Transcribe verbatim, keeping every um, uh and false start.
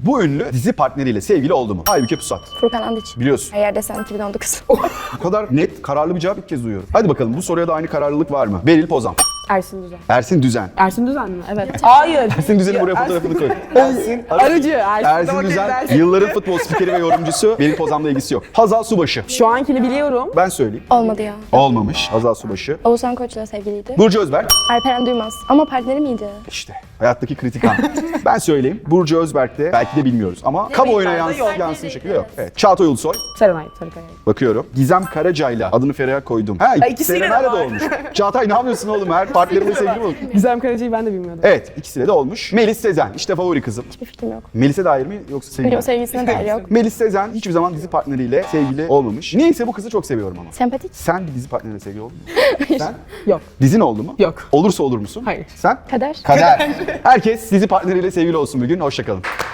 Bu ünlü dizi partneriyle sevgili oldu mu? Aybüke Pusat. Furkan Andiç. Biliyorsun. Eğer desen iki bin on dokuz. Bu kadar net, kararlı bir cevap ilk kez duyuyorum. Hadi bakalım bu soruya da aynı kararlılık var mı? Beril Pozan. Ersin Düzen. Ersin Düzen. Ersin Düzen mi? Evet. Hayır. Ersin Düzen'in buraya fotoğrafını koy. Ersin, Arıcı. Ersin, Ersin Düzen, yılların futbol spikeri ve yorumcusu. Beril Pozan'la ilgisi yok. Hazal Subaşı. Şu ankini biliyorum. Ben söyleyeyim. Olmadı ya. Olmamış. Hazal Subaşı. Oğuzhan Koç'la sevgiliydi. Burcu Özberk. Alperen Duymaz. Ama partneri miydi? İşte hayattaki kritik an. Ben söyleyeyim. Burcu Özberk de belki de bilmiyoruz ama kamuoyuna yans yok. yansın şekilde yok. Evet. Çağatay Ulusoy. Serenay Sarıkaya. Bakıyorum. Gizem Karaca'yla adını Ferah'a koydum. Ha, ikisiyle de Serenay'la da var. olmuş. Çağatay ne yapıyorsun oğlum? Her partneriyle sevgili mi olur? Gizem Karaca'yı ben de bilmiyordum. Evet, ikisiyle de olmuş. Melis Sezen, işte favori kızım. Hiçbir fikrim yok. Melis'e dair mi yoksa sevgili? Yok, sevgilisine dair yok. Melis Sezen hiçbir zaman dizi partneriyle sevgili olmamış. Niyeyse bu kızı çok seviyorum ama. Sempatik. Sen bir dizi partneriyle sevgili oldun mu? Sen? Yok. Dizin oldu mu? Yok. Olursa olur musun? Hayır. Sen? Kader. Kader. Herkes dizi partneriyle sevgili olsun bugün. Hoşça kalın.